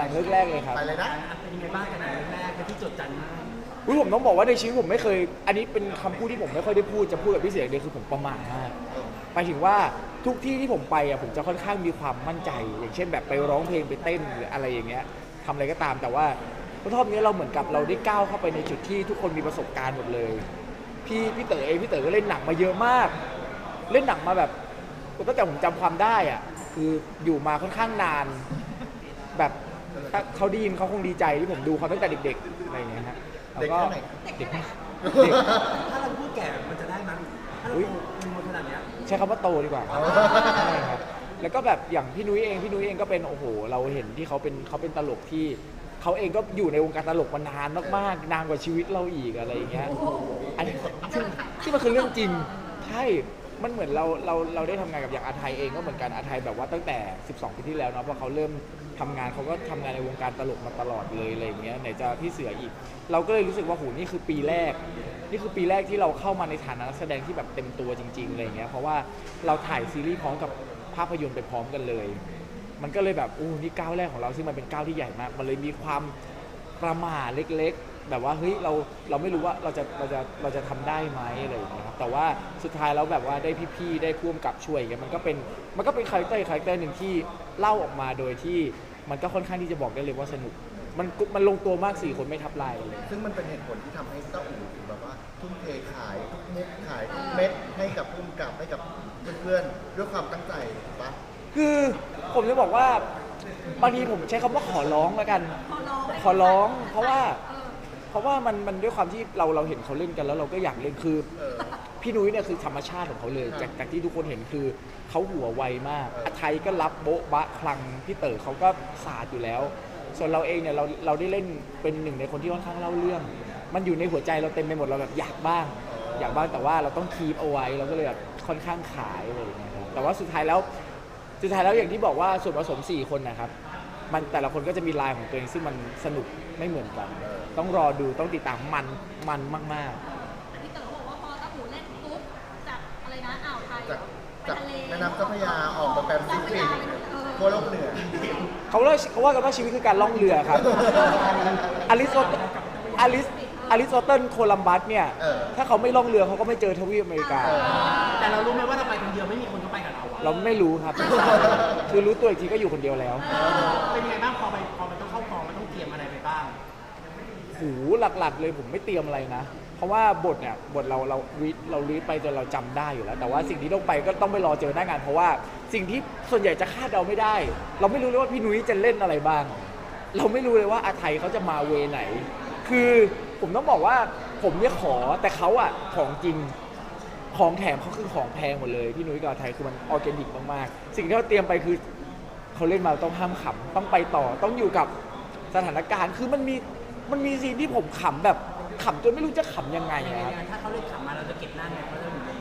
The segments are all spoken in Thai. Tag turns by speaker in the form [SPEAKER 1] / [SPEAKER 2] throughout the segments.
[SPEAKER 1] งเรื่องแรกเลยครับ
[SPEAKER 2] ไปเลยนะ
[SPEAKER 3] เป็นยังไงบ้างกันหนังเรื่องแรกที่จดจำมาก
[SPEAKER 1] ผมต้องบอกว่าในชีวิตผมไม่เคยอันนี้เป็นคำพูดที่ผมไม่ค่อยได้พูดจะพูดกับพี่เสียงเดียวคือผมประมาทมากไปถึงว่าทุกที่ที่ผมไปอ่ะผมจะค่อนข้างมีความมั่นใจอย่างเช่นแบบไปร้องเพลงไปเต้นหรืออะไรอย่างเงี้ยทำอะไรก็ตามแต่ว่ารอบนี้เราเหมือนกับเราได้ก้าวเข้าไปในจุดที่ทุกคนมีประสบการณ์หมดเลยพี่เต๋อพี่เต๋อก็เล่นหนังมาเยอะมากเล่นหนังมาแบบตั้งแต่ผมจำความได้อ่ะคืออยู่มาค่อนข้างนานแบบถ้าเขาได้ยินเขาคงดีใจที่ผมดูเขาตั้งแต่เด็กๆอะไรอย่างเงี้ยฮะแล้วก็เด็กมาก
[SPEAKER 3] ถ้าเราพูดแก่มันจะได้มั้ยถ้าเราพูดขนาดนี้
[SPEAKER 1] ใช้คำว่าโตดีกว่าใช่ครับแล้วก็แบบอย่างพี่นุ้ยเองก็เป็นโอ้โหเราเห็นที่เขาเป็นตลกที่เขาเองก็อยู่ในวงการตลกมานานมากๆนานกว่าชีวิตเราอีกอะไรอย่างเงี้ยอันนี้ที่มันคือเรื่องจริงใช่มันเหมือนเราได้ทำงานกับอย่างอาไทยเองก็เหมือนกันอาไทยแบบว่าตั้งแต่12 ปีที่แล้วเนาะพอเขาเริ่มทำงานเขาก็ทำงานในวงการตลกมาตลอดเลยอะไรอย่างเงี้ยไหนจะพี่เสืออีกเราก็เลยรู้สึกว่าโหนี่คือปีแรกที่เราเข้ามาในฐานะนักแสดงที่แบบเต็มตัวจริงๆอะไรอย่างเงี้ยเพราะว่าเราถ่ายซีรีส์พร้อมกับภาพยนตร์ไปพร้อมกันเลยมันก็เลยแบบนี่ก้าวแรกของเราซึ่งมันเป็นก้าวที่ใหญ่มากมันเลยมีความประหม่าเล็กๆแบบว่าเฮ้ยเราไม่รู้ว่าเราจะทำได้ไหมอะไรอย่างเงี้ยครับแต่ว่าสุดท้ายแล้วแบบว่าได้พี่ๆได้พ่วงกับช่วยอย่างเงี้ยมันก็เป็นคาแรคเตอร์หนึ่งที่เล่าออกมาโดยที่มันก็ค่อนข้างที่จะบอกได้เลยว่าสนุกมันลงตัวมาก4 คนไม่ทับลายเลย
[SPEAKER 2] ซึ่งมันเป็นเหตุผลที่ทำให้เต้าอู่ถึงแบบว่าทุ่มเทขายทุกมุกขายทุกเม็ดให้กับผู้กำกับให้กับเพื่อนๆด้วยความตั้งใจถูกปะ
[SPEAKER 1] คือผมจะบอกว่าบางทีผมใช้คำว่าขอร้องแล้วกันขอร้องเพราะว่ามันด้วยความที่เราเห็นเขาเล่นกันแล้วเราก็อยากเล่นคือพี่นุ้ยเนี่ยคือธรรมชาติของเขาเลยจากที่ทุกคนเห็นคือเขาหัวไวมากอาไทยก็รับโบ๊ะบะคลังพี่เต๋อเขาก็ศาสตร์อยู่แล้วส่วนเราเองเนี่ยเราได้เล่นเป็นหนึ่งในคนที่ค่อนข้างเล่าเรื่องมันอยู่ในหัวใจเราเต็มไปหมดเราแบบอยากบ้างแต่ว่าเราต้องคีปเอาไว้เราก็เลยแบบค่อนข้างขายเลยนะครับแต่ว่าสุดท้ายแล้วอย่างที่บอกว่าส่วนผสม4 คนนะครับมันแต่ละคนก็จะมีลายของตัวเองซึ่งมันสนุกไม่เหมือนกันต้องรอดูต้องติดตามมันมาก
[SPEAKER 4] ๆแต่พี่เต๋อบอกว่าพอตะหูเล่นปุ๊บจากอะไรนะอ่าวไทยไปทะเล
[SPEAKER 2] แม่น้ำเจ้าพระยาออกมาแบบซิฟิกทั่วโลกเหนือ
[SPEAKER 1] เขาว่ากันว่าชีวิตคือการล่องเรือครับอริสโตเติลโคลัมบัสเนี่ยถ้าเขาไม่ล่องเรือเขาก็ไม่เจอทวีปอเมริกา
[SPEAKER 3] แต่เรารู้ไหมว่าเราไปคนเดียวไม่มีคนเข้าไปกับ
[SPEAKER 1] เราไม่รู้ครับคือรู้ตัวอีกทีก็อยู่คนเดียวแล้ว
[SPEAKER 3] เป็นไงบ้างพอมันต้องเข้ากองมันต้องเตรียมอะไรไปบ้าง
[SPEAKER 1] หลักๆเลยผมไม่เตรียมอะไรนะเพราะว่าบทเรารีดไปจนเราจำได้อยู่แล้วแต่ว่าสิ่งที่ต้องไปก็ต้องไปรอเจอหน้างานเพราะว่าสิ่งที่ส่วนใหญ่จะคาดเดาไม่ได้เราไม่รู้เลยว่าพี่นุ้ยจะเล่นอะไรบ้างเราไม่รู้เลยว่าอาไทยเขาจะมาเวไหนคือผมต้องบอกว่าผมเนี่ยขอแต่เขาอะของจริงของแถมเขาคือของแพงหมดเลยพี่นุ้ยกับอาไทยคือมันออร์แกนิกมากๆสิ่งที่เราเตรียมไปคือเขาเล่นมาต้องห้ามขำต้องไปต่อต้องอยู่กับสถานการณ์คือมันมีซีนที่ผมขำแบบขำจนไม่รู้จะขำยังไงครับ
[SPEAKER 3] ถ้าเขาเล่นขำมาเราจะเก็บหน้าไงเพราะเราอยู่ใน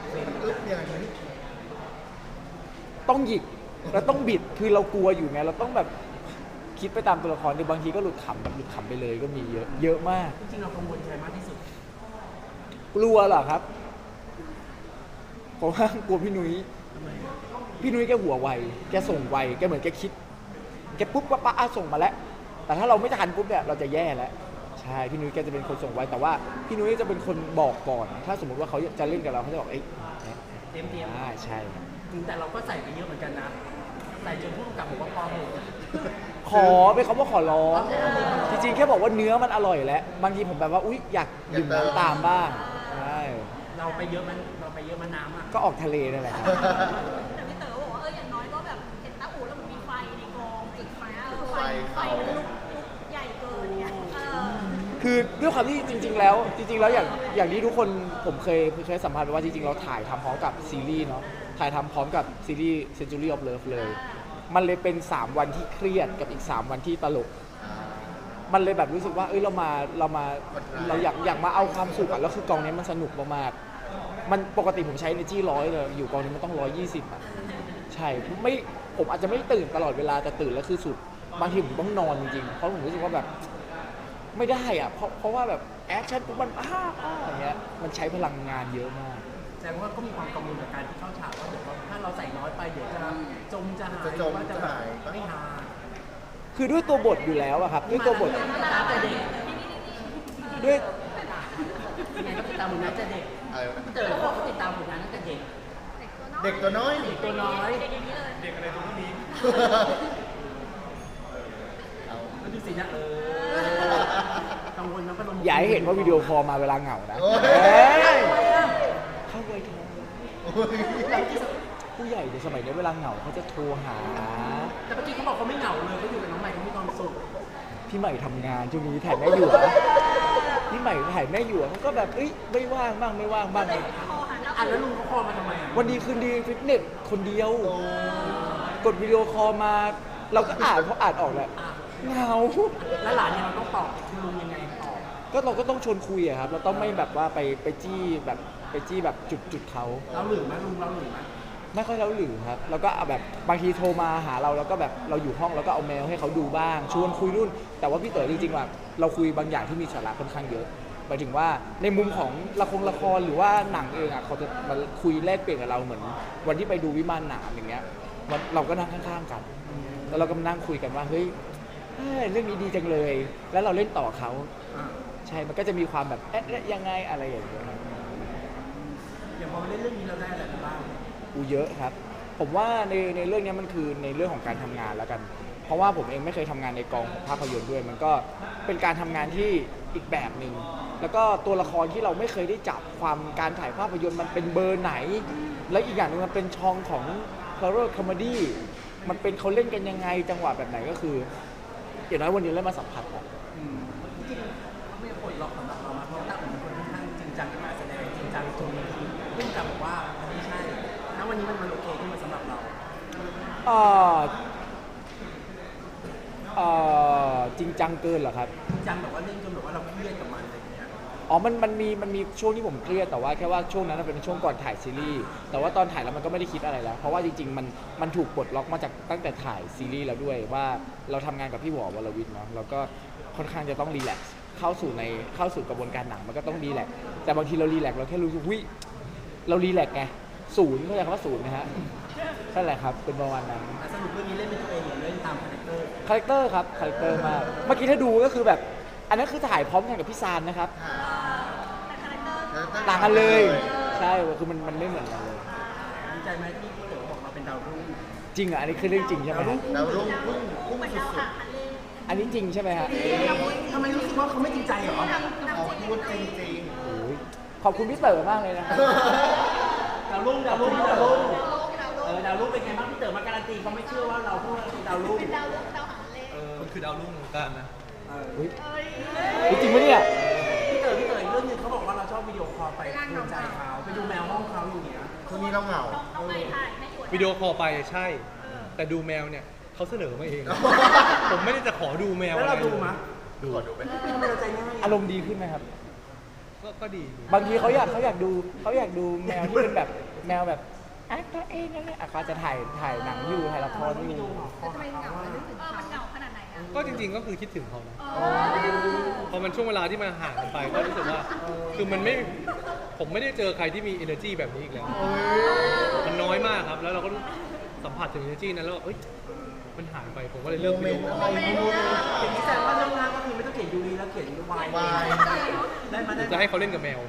[SPEAKER 1] ต้องหยิกแล้วต้องบิดคือเรากลัวอยู่ไงเราต้องแบบคิดไปตามตัวละครบางทีก็หลุดขำไปเลยก็มีเยอะมาก
[SPEAKER 3] จริงๆเรากังวลใจมากที่สุด
[SPEAKER 1] กลัวเหรอครับผมว่ากลัวพี่นุ้ยแกหัวไวแกส่งไวแกเหมือนแกคิดแกปุ๊บก็ป้าส่งมาแล้วแต่ถ้าเราไม่ทันปุ๊บเนี่ยเราจะแย่แล้วใช่พี่นุ้ยแกจะเป็นคนส่งไวแต่ว่าพี่นุ้ยจะเป็นคนบอกก่อนถ้าสมมติว่าเขาจะเล่นกับเราเขาจะบอก
[SPEAKER 3] เตรียม
[SPEAKER 1] ใช่
[SPEAKER 3] แต่เราก็ใส่ไปเยอะเหมือนกันนะใส่จนผู้กำกับบอกว่าพอเถอะ
[SPEAKER 1] ขอเป็นคำว่าขอร้องจริงๆแค่บอกว่าเนื้อมันอร่อยแล้วบางทีผมแบบว่าอุ๊ยอยากดื่มน้ำตามบ้างใช่
[SPEAKER 3] เราไปเยอะมันน้ำอ่ะ
[SPEAKER 1] ก็ออกทะเลนั่นแหละครับ
[SPEAKER 4] แต่พี่เต๋อบอกว่าอย่างน้อยก็แบบเห็นตาอู่แล้วมันมีไฟในกองจุดไฟมันลุกใหญ่เกินเนี่ย
[SPEAKER 1] คือด้วยความที่จริงๆแล้วอย่างที่ทุกคนผมเคยสัมภาษณ์ไปว่าจริงๆเราถ่ายทำพร้อมกับซีรีส์เนาะถ่ายทำพร้อมกับซีรีส์ Century of Love เลยมันเลยเป็น3 วันที่เครียดกับอีก3 วันที่ตลกมันเลยแบบรู้สึกว่าเราอยากมาเอาความสุขแล้วคือกองนี้มันสนุกมากๆมันปกติผมใช้ energy 100เลยอยู่กองนี้มันต้อง120อ่ะใช่ผมอาจจะไม่ตื่นตลอดเวลาแต่ตื่นแล้วคือสุดบางทีผมต้องนอนจริงๆเพราะผมรู้สึกว่าแบบไม่ได้อ่ะเพราะว่าแบบแอคชั่นปุ๊บมันอย่างเงี้ยมันใช้พลังงานเยอะมาก
[SPEAKER 3] แสดงว่าก็มีความกังวลกับการที่เข้าฉากว่าเดี๋ยวถ้าเราใส่น้อยไปเดี๋ยวจะจมจะหายว่าจะแบบไม่หา
[SPEAKER 1] คือด้วยตัวบทอยู่แล้วอะครับด้วยตัวบท
[SPEAKER 3] ตามแต่เด็ก
[SPEAKER 1] ด้วย
[SPEAKER 3] ยังไงก็ติดตามผลงานแต่เด็ก
[SPEAKER 2] อะไรนะ
[SPEAKER 3] พี่เต๋อเขาบอกเขาติดตามผลงานตั้งแต่เด็ก
[SPEAKER 2] เด็กตัวน้อย
[SPEAKER 3] เด็กตัวน้อย
[SPEAKER 4] เด็กอย่างนี้เลย
[SPEAKER 2] เอา
[SPEAKER 3] มันดูสินะกังวลมันก็ลง
[SPEAKER 1] อย่าให้เห็นว่าวิดีโอคอลมาเวลาเหงานะ
[SPEAKER 2] โอ้ย
[SPEAKER 1] เอ้ยเข้าไวโทร
[SPEAKER 2] โอ้ย
[SPEAKER 1] ผู้ใหญ่ในสมัยนี้เวลาเหงาเขาจะโทรหา
[SPEAKER 3] แต่เมื่อกี้เขาบอกเขาไม่เหงาเลยเขาอยู่กับน้องใหม่เขามีความสุข
[SPEAKER 1] พี่ใหม่ทำงานช่วงนี้ถ่ายแม่หยวพี่ใหม่ถ่ายแม่หยวมันก็แบบเอ้ยไม่ว่างบ้างไม่ว่างบ้าง
[SPEAKER 4] คอหาเจ้า
[SPEAKER 3] อ่ะแล้วลุงเขาคอมาทำไมอ่ะ
[SPEAKER 1] วันดีคืนดีฟิตเนสคนเดียว กดวิดีโอคอลมาเราก็อ่านเพราะอ่านออกแหละเหงา
[SPEAKER 3] แล้วหลานเนี่ยเราต้องตอบคุณลุงยังไงตอบ
[SPEAKER 1] ก็เราก็ต้องชวนคุยอะครับเราต้องไม่แบบว่าไปจี้แบบจุดเขา
[SPEAKER 3] เราหรือไหมลุงเราหรือไหม
[SPEAKER 1] ไม่ค่อยเล่าหรือครับแล้วก็เอาแบบบางทีโทรมาหาเราแล้วก็แบบเราอยู่ห้องแล้วก็เอาเมลให้เขาดูบ้าง ชวนคุยนู่น แต่ว่าพี่เต๋อจริงๆว่าเราคุยบางอย่างที่มีสาระค่อนข้างเยอะหมายถึงว่าในมุมของละครหรือว่าหนังเองอ่ะเขาจะมาคุยแลกเปลี่ยนกับเราเหมือน วันที่ไปดูวิมานหนามอย่างเงี้ยเราก็นั่งข้างๆกัน แล้วเราก็มานั่งคุยกันว่าเฮ้ยเรื่องนี้ดีจังเลย แล้วเราเล่นต่อเขา
[SPEAKER 3] อ่ะ
[SPEAKER 1] ใช่มันก็จะมีความแบบยังไงอะไรอย่างเงี้ย
[SPEAKER 3] อย่างพอมาเล่นเรื่องนี้เราได้อะไรบ้าง
[SPEAKER 1] เยอะครับ ผมว่าในเรื่องนี้มันคือในเรื่องของการทำงานแล้วกัน เพราะว่าผมเองไม่เคยทำงานในกองภาพยนตร์ด้วย มันก็เป็นการทำงานที่อีกแบบหนึ่งแล้วก็ตัวละครที่เราไม่เคยได้จับความการถ่ายภาพยนตร์มันเป็นเบอร์ไหน และอีกอย่างหนึงมันเป็นช่องของ horror comedy มันเป็นเขาเล่นกันยังไงจังหวะแบบไหนก็คืออย่างน้อยวันนี้เล่นมาสัมผัสแล้ว
[SPEAKER 3] จริงๆไม่ปลดล็อกสำหรับเรามาเพราะตั้งเป็นคนค่อนข้างจริงจังกับการแสดงจริงจังตรงนี้เพิ่งจะบอกว่ามันไม่ใช่ณวันนี้มันโอเคขึ้นมาสำหรับเรา
[SPEAKER 1] จริงจังเกินเหรอครับ
[SPEAKER 3] จริงจังแบบว่าเล่นจนแบบว่าเราเครียดกับมันอะไรอย่างเงี้ย
[SPEAKER 1] อ๋อมันมีช่วงที่ผมเครียดแต่ว่าแค่ว่าช่วงนั้นนะเป็นช่วงก่อนถ่ายซีรีส์แต่ว่าตอนถ่ายแล้วมันก็ไม่ได้คิดอะไรแล้ว เพราะว่าจริงๆมันถูกปลดล็อกมาจากตั้งแต่ถ่ายซีรีส์แล้วด้วยว่าเราทำงานกับพี่หวอวรวิทย์เนาะเราก็ค่อนข้างจะต้องรีแลกซ์เข้าสู่กระบวนการหนังมันก็ต้องรีแลกซ์แต่บางทีเรารีแลกซ์เราแค่รู้สึกวิเรารีแลกซ์ไงศูนย์เข้าใจคำว่าศูนย์ไหมฮะนั่นแหละครับเป็นประมาณนั้น
[SPEAKER 3] สรุปเรื่องนี้เล่นเป็นตัวเองหรือเล่นตามคาแรคเตอร์
[SPEAKER 1] คาแรคเตอร์ครับคาแรคเตอร์มากเมื่อกี้ถ้าดูก็คือแบบอันนั้นคือถ่ายพร้อมกันกับพี่ซานนะครับ
[SPEAKER 4] แต่คาแรคเตอร์
[SPEAKER 1] ต่างกันเลย ใช่คือมันไม่เหมือนกันเลย
[SPEAKER 3] ดีใจไหมที่พี่เต๋อบอกเราเป็นดาวรุ่ง
[SPEAKER 1] จริงเหรออันนี้คือเรื่องจริงใช่ไหมฮะ
[SPEAKER 2] ดาวรุ่งพุ่ง
[SPEAKER 4] คู่เป็นดาว
[SPEAKER 2] สุ
[SPEAKER 4] หา
[SPEAKER 2] ด
[SPEAKER 4] งทะเล
[SPEAKER 1] อันนี้จริงใช่ไหมฮะ
[SPEAKER 3] ทำไมรู้สึกว่าเขาไม่จริงใจเหรอ
[SPEAKER 2] ๆเขาพูดจริง
[SPEAKER 1] โอ้ยขอบคุณพี่เต๋อมากเลยนะครับ
[SPEAKER 3] ดาวรุ่งดาวรุ่งดาวรุ่งดาวรุ่งเป็นไงบ้างพี่เต๋อมาการันตีเขาไม่เชื่อว่าเราพูดว่าเป็นดาวรุ่ง
[SPEAKER 4] เป็นดาวหางทะเล
[SPEAKER 5] มันคือดาวรุ่งของการนะ
[SPEAKER 1] อุ๊ย
[SPEAKER 4] เอ้ย
[SPEAKER 1] จริงไหมเนี่ย
[SPEAKER 3] พี่เต๋ออีกเรื่องหนึงเขาบอกว่าเราชอบวิดีโอคอลไปดูใจเขาไปดูแมวห้องเขาอย่างเงี้ย
[SPEAKER 2] ๆช่วงนี้เราเหงา
[SPEAKER 4] น้องไม่ถ่ายไม่อวด
[SPEAKER 5] วิดีโอคอลไปใช่ แต่ดูแมวเนี่ยเขาเสนอมาเอง ผมไม่ได้จะขอดูแมว
[SPEAKER 3] แล้วเรา
[SPEAKER 5] อะไร
[SPEAKER 3] ดูมั้ย
[SPEAKER 5] ดู
[SPEAKER 3] ทำไมเราใจง่าย
[SPEAKER 1] อารมณ์ดีขึ้นไหมครับ
[SPEAKER 5] ก็ดี
[SPEAKER 1] บางทีเขาอยากดูแมวที่เป็นแบบแมวแบบตัวเองนั่นแหละเขาจะถ่ายหนังอยู่ถ่ายละครอยู่
[SPEAKER 4] ทำไมเหงามันเหงาขนาดไหนอ่ะ
[SPEAKER 5] ก็จริงๆก็คือคิดถึงเขานะพอมันช่วงเวลาที่มาห่างกันไปก็รู้สึกว่า คือผมไม่ได้เจอใครที่มี energy แบบนี้อีกแล้ว มันน้อยมากครับ แล้วเราก็สัมผัสถึง energy นั้นแล้วเอ้ย มันหายไป ผมก็เลยเลิก
[SPEAKER 2] โมเม
[SPEAKER 5] วิดี
[SPEAKER 2] น
[SPEAKER 5] โอ
[SPEAKER 2] ต์
[SPEAKER 5] ค
[SPEAKER 2] อะ
[SPEAKER 5] อล
[SPEAKER 2] ไรพูด
[SPEAKER 3] อย่างนี้แสดงว่าเรื่องหน้าก็คือไม่ต้องเขียนยูรีแล้วเขียนวาย
[SPEAKER 2] วาย
[SPEAKER 3] ได้มาได้
[SPEAKER 5] จะให้เขาเล่นกับแมว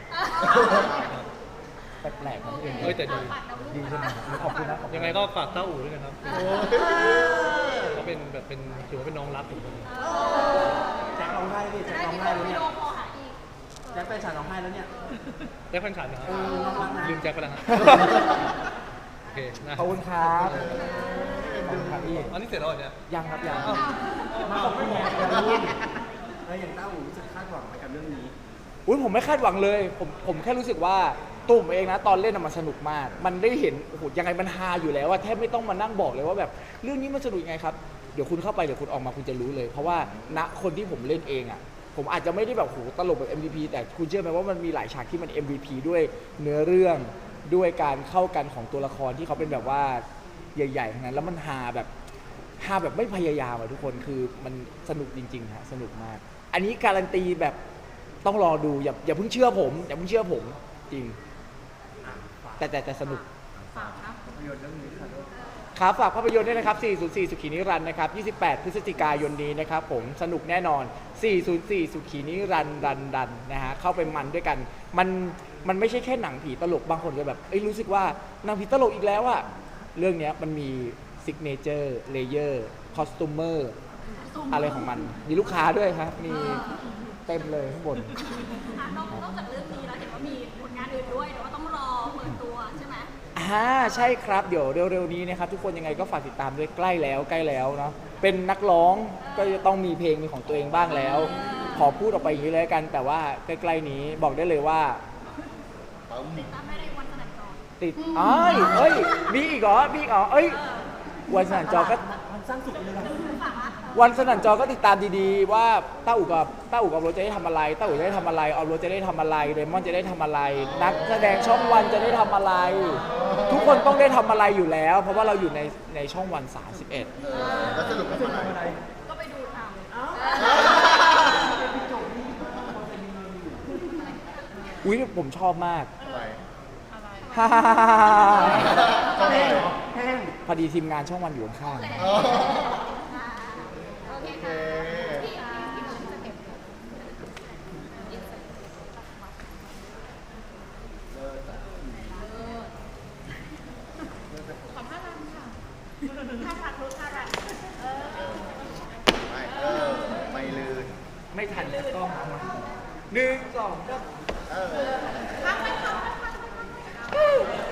[SPEAKER 1] แปลกๆของพี่เอง
[SPEAKER 5] เอ้ยแต่ดี
[SPEAKER 1] ดีใช่ไหมขอบคุณนะขอบคุณ
[SPEAKER 5] ยังไงก็ฝากเต้าอู่ด้วยนะครับเขาเป็นแบบถือว่าเป็นน้องรักผมคนหนึง
[SPEAKER 3] แจ็คร้องไห้พี่แจ็ค
[SPEAKER 4] ได้
[SPEAKER 3] ร้อง
[SPEAKER 4] มีค
[SPEAKER 3] ไห้
[SPEAKER 4] น
[SPEAKER 3] แล้ว
[SPEAKER 4] วิ
[SPEAKER 3] เนี่ย
[SPEAKER 4] ดีโอคอลหาอีก
[SPEAKER 3] แจ็คไปฉากร้องไห้แล้วเนี่ย
[SPEAKER 5] แจ็คพันฉันนะครับ
[SPEAKER 3] น้องรักนะ
[SPEAKER 5] ลืมแจ็คไปแล้วฮะโอเคนะ
[SPEAKER 1] ขอบคุณครับขอบคุณครับพี่
[SPEAKER 5] อันนี้เสร็จแล้วเหรอเนี่ย
[SPEAKER 1] ยังครับยัง
[SPEAKER 3] มาขอบคุณแม่อย่างต้าหูรู้สึกคาดหวังไปกับเรื่องนี้
[SPEAKER 1] อุ้ยผมไม่คาดหวังเลย ผมแค่รู้สึกว่าตัวผมเองนะตอนเล่นน่ะมันสนุกมาก มันได้เห็นโอ้โหยังไงมันฮาอยู่แล้วว่าแทบไม่ต้องมานั่งบอกเลยว่าแบบเรื่องนี้มันสนุกยังไงครับเดี๋ยวคุณเข้าไปเดี๋ยวคุณออกมาคุณจะรู้เลย เพราะว่าณคนที่ผมเล่นเองอ่ะผมอาจจะไม่ได้แบบโหตลกแบบ MVP แต่คุณเชื่อไหมว่ามันมีหลายฉากที่มัน MVP ด้วยเนื้อเรื่องด้วยการเข้ากันของตัวละครที่เขาเป็นแบบว่าใหญ่ๆทั้งนั้นแล้วมันฮาแบบไม่พยายามอะทุกคนคือมันสนุกจริงๆฮะสนุกมาก อันนี้การันตีแบบต้องรอดูอย่าเพิ่งเชื่อผมจริงแต่สนุก
[SPEAKER 4] ฝากครับ
[SPEAKER 3] ประโยชน์เรื่องนี้ค่ะ
[SPEAKER 1] ครับฝากภาพยนตร์ด้วยนะครับ 404 สุขีนิรันดร์นะครับ 28 พฤศจิกายนนี้นะครับผมสนุกแน่นอน 404 สุขีนิรันดร์ดันนะฮะเข้าไปมันด้วยกันมันไม่ใช่แค่หนังผีตลกบางคนจะแบบรู้สึกว่าหนังผีตลกอีกแล้วอะเรื่องเนี้ยมันมีซิกเนเจอร์เลเยอร์คอสตูมเมอร์อะไรของมันมีลูกค้าด้วยครับมีเต็มเลยข้างบน
[SPEAKER 4] นอกจากเรื่องนี้แล้วเห็นว่ามีผลงานอื่นด้วยแต่ว่าต้องรอเปิดตัวใช่ไหม
[SPEAKER 1] ใช่ครับเดี๋ยวเร็วๆนี้นะครับทุกคนยังไงก็ฝากติดตามด้วยใกล้แล้วเนาะเป็นนักร้องก็จะต้องมีเพลงเป็นของตัวเองบ้างแล้ว ขอพูดออกไปอย่างนี้เลยกัน แต่ว่าใกล้ๆนี้บอกได้เลยว่า
[SPEAKER 4] ติดตามได้ในวันสนั่นจอ
[SPEAKER 1] ติดมีอีกเหรอวันสนั่นจอก็
[SPEAKER 3] มันสร้างสุขเลยนะ
[SPEAKER 1] วันสนั่นจอก็ติดตามดีๆว่าต้าอู่กับโรถจะได้ทำอะไรต้าอู่จะได้ทำอะไรออฟโรถจะได้ทำอะไรเรมอนจะได้ทำอะไร นักแสดงช่องวันจะได้ทำอะไร ทุกคนต้องได้ทำอะไรอยู่แล้ว เพราะว่าเราอยู่ในช่องวัน 31
[SPEAKER 2] แล้วสรุปเป็นอะไร
[SPEAKER 4] ก็ไปดูเอา
[SPEAKER 1] อุ้ยผมชอบมาก
[SPEAKER 2] อะไร
[SPEAKER 1] ฮ่า
[SPEAKER 2] ก็ได้เหรอ
[SPEAKER 3] แห้ง
[SPEAKER 1] พอดีทีมงานช่องวันอยู่ข้าง
[SPEAKER 2] อ๋อ
[SPEAKER 4] โอเค
[SPEAKER 2] โอเค
[SPEAKER 4] ค่ะพี่จะเก็บ ขอท่ารันค่ะท่ารันรู้ท่ารัน
[SPEAKER 2] ไม่ลื่น
[SPEAKER 1] ๆไม่ทันจะต้อง1 2 3
[SPEAKER 2] เออ
[SPEAKER 4] พักไหมพักไหมพักไหม